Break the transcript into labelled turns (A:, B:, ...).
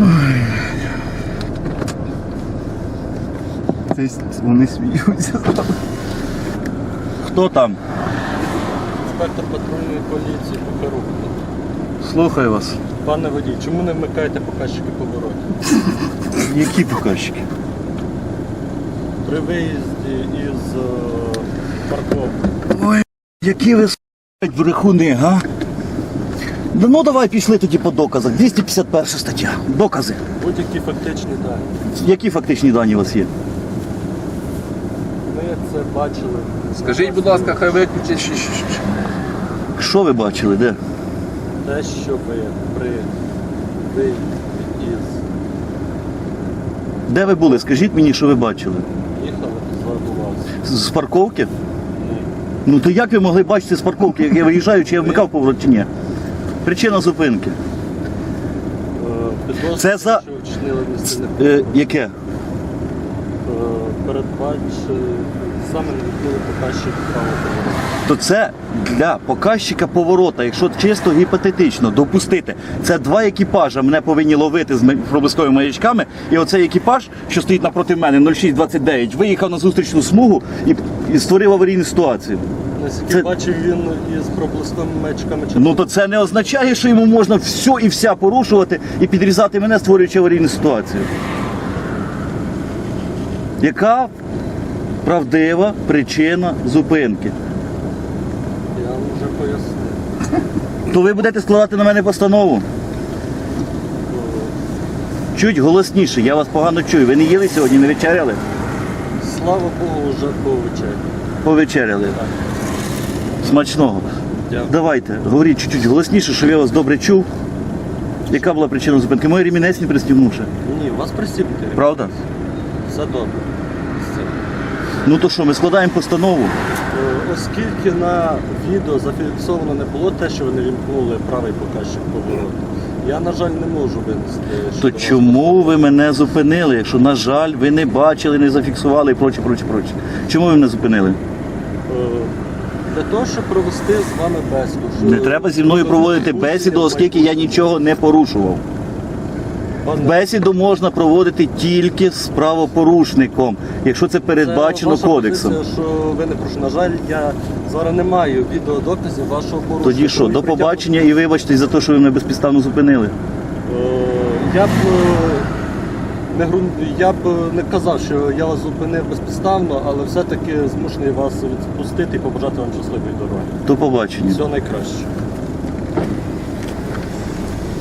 A: Вони сміються. Хто там?
B: Інспектор патрульної поліції Кухарук.
A: Слухаю вас.
B: Пане водій, чому не вмикаєте показчики поворотів?
A: Які показчики?
B: При виїзді із парковки.
A: Ой, які ви брехуни, га? Ну давай пішли тоді по доказах. 251 стаття. Докази.
B: Будь-які фактичні дані.
A: Які фактичні дані у вас є?
B: Ми це бачили.
C: Скажіть, будь ласка, хай виключить.
A: Що ви бачили, де?
B: Те, що ви при виїзді із
A: Де ви були? Скажіть мені, що ви бачили?
B: їхали, звернувався.
A: З парковки?
B: Ні.
A: Ну то як ви могли бачити з парковки, як я виїжджаю, чи я вмикав поворот, чи ні? Причина зупинки.
B: Підозрюю,
A: Це за-
B: що вчинили адміністративне
A: Яке?
B: передбачили, саме не відкрили показчик правопорушення.
A: То це для показчика поворота, якщо чисто гіпотетично допустити, це два екіпажа мене повинні ловити з проблисковими маячками, і оцей екіпаж, що стоїть напроти мене, 0629, виїхав на зустрічну смугу і створив аварійну ситуацію.
B: Наскільки
A: Це-
B: бачив, він із проблисковими маячками
A: Ну то це не означає, що йому можна все і вся порушувати і підрізати мене, створюючи аварійну ситуацію. Яка правдива причина зупинки?
B: Я вам вже пояснив.
A: То ви будете складати на мене постанову? Чуть голосніше, я вас погано чую. Ви не їли сьогодні, не вечеряли?
B: Слава Богу, вже повечеряли.
A: Повечеряли. Смачного.
B: Дякую.
A: Давайте, говоріть чуть-чуть голосніше, щоб я вас добре чув. Яка була причина зупинки? Мой ремінець не пристібнувши.
B: Ні, у вас присіпнути.
A: Правда?
B: Все добре. Все.
A: Ну то що, ми складаємо постанову?
B: Оскільки на відео зафіксовано не було те, що ви не вімкнули правий показчик повороту, я, на жаль, не можу винести.
A: То
B: щодо вас
A: чому ви мене зупинили, якщо, на жаль, ви не бачили, не зафіксували і проче. Чому ви мене зупинили?
B: Для того, щоб провести з вами бесіду. що-
A: Не треба зі мною проводити бесіду, оскільки я нічого не порушував.
B: Пане,
A: Бесіду можна проводити тільки з правопорушником, якщо це передбачено
B: ваша
A: кодексом.
B: позиція, що ви не прошу. На жаль, я зараз не маю відеодоказів вашого порушення.
A: Тоді що,
B: Тому
A: до
B: притягну-
A: побачення і вибачтесь за те, що ви мене безпідставно зупинили.
B: Я б я б не казав, що я вас зупинив безпідставно, але все-таки змушений вас відпустити і побажати вам щасливої дороги.
A: До побачення.
B: Всього найкращого.